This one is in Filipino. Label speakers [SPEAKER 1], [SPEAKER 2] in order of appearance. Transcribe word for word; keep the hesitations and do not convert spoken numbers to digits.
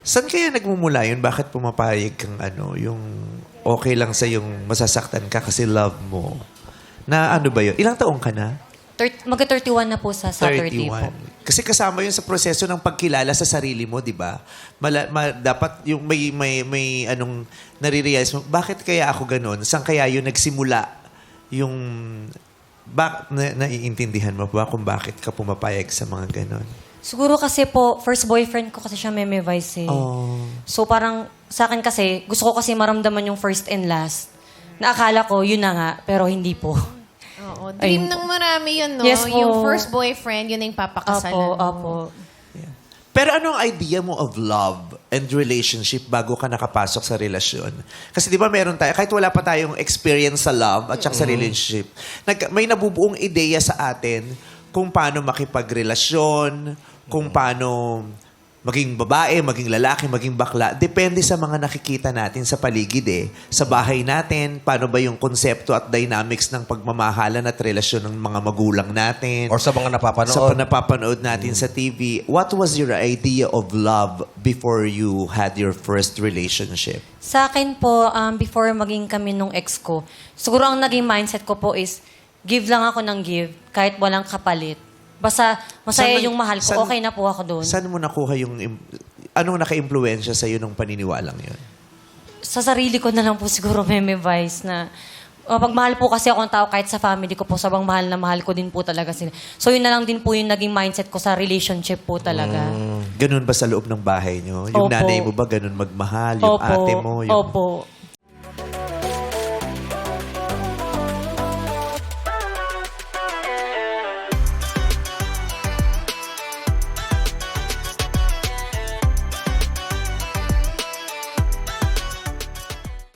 [SPEAKER 1] Saan kaya nagmumula yun? Bakit pumapayag kang ano, yung okay lang sa yung masasaktan ka kasi love mo? Na ano ba yun? Ilang taong ka na?
[SPEAKER 2] Thir- Magka-thirty-one na po sa Saturday po.
[SPEAKER 1] Kasi kasama yun sa proseso ng pagkilala sa sarili mo, di ba? Mala, ma- dapat yung may, may, may anong nare-realize mo, bakit kaya ako ganun? Saan kaya yun nagsimula? Yung, bak, na, naiintindihan mo ba kung bakit ka pumapayag sa mga ganun?
[SPEAKER 2] Siguro kasi po, first boyfriend ko kasi siya Meme Vice eh.
[SPEAKER 1] Oh.
[SPEAKER 2] So parang sa akin kasi, gusto ko kasi maramdaman yung first and last. Na akala ko, yun na nga, pero hindi po.
[SPEAKER 3] Oo. Dream
[SPEAKER 2] Ayun
[SPEAKER 3] ng marami yun, no?
[SPEAKER 2] Yes po.
[SPEAKER 3] Yung first boyfriend, yun na yung papakasalan
[SPEAKER 2] Apo,
[SPEAKER 3] mo.
[SPEAKER 2] apo.
[SPEAKER 1] Pero anong idea mo of love and relationship bago ka nakapasok sa relasyon? Kasi di ba meron tayo, kahit wala pa tayong experience sa love at saka sa relationship, nag, may nabubuong ideya sa atin kung paano makipagrelasyon, kung paano maging babae, maging lalaki, maging bakla. Depende sa mga nakikita natin sa paligid eh. Sa bahay natin, paano ba yung konsepto at dynamics ng pagmamahalan at relasyon ng mga magulang natin.
[SPEAKER 4] Or sa mga napapanood.
[SPEAKER 1] Sa napapanood natin sa T V, what was your idea of love before you had your first relationship?
[SPEAKER 2] Sa akin po, um, before maging kami nung ex ko, siguro ang naging mindset ko po is, give lang ako ng give, kahit walang kapalit. Basta masaya
[SPEAKER 1] Saan-
[SPEAKER 2] yung mahal ko,
[SPEAKER 1] saan-
[SPEAKER 2] okay na po ako doon.
[SPEAKER 1] Saan mo nakuha yung... im- Anong naka-impluensya sa'yo nung paniniwalang yun?
[SPEAKER 2] Sa sarili ko na lang po siguro Meme Vice na uh, pag mahal po kasi ako ng tao kahit sa family ko po, sabang mahal na mahal ko din po talaga sila. So yun na lang din po yung naging mindset ko sa relationship po talaga.
[SPEAKER 1] Ganun ba sa loob ng bahay nyo? Yung
[SPEAKER 2] Opo.
[SPEAKER 1] nanay mo ba ganun magmahal? Yung
[SPEAKER 2] Opo,
[SPEAKER 1] ate mo? Yung...
[SPEAKER 2] Opo.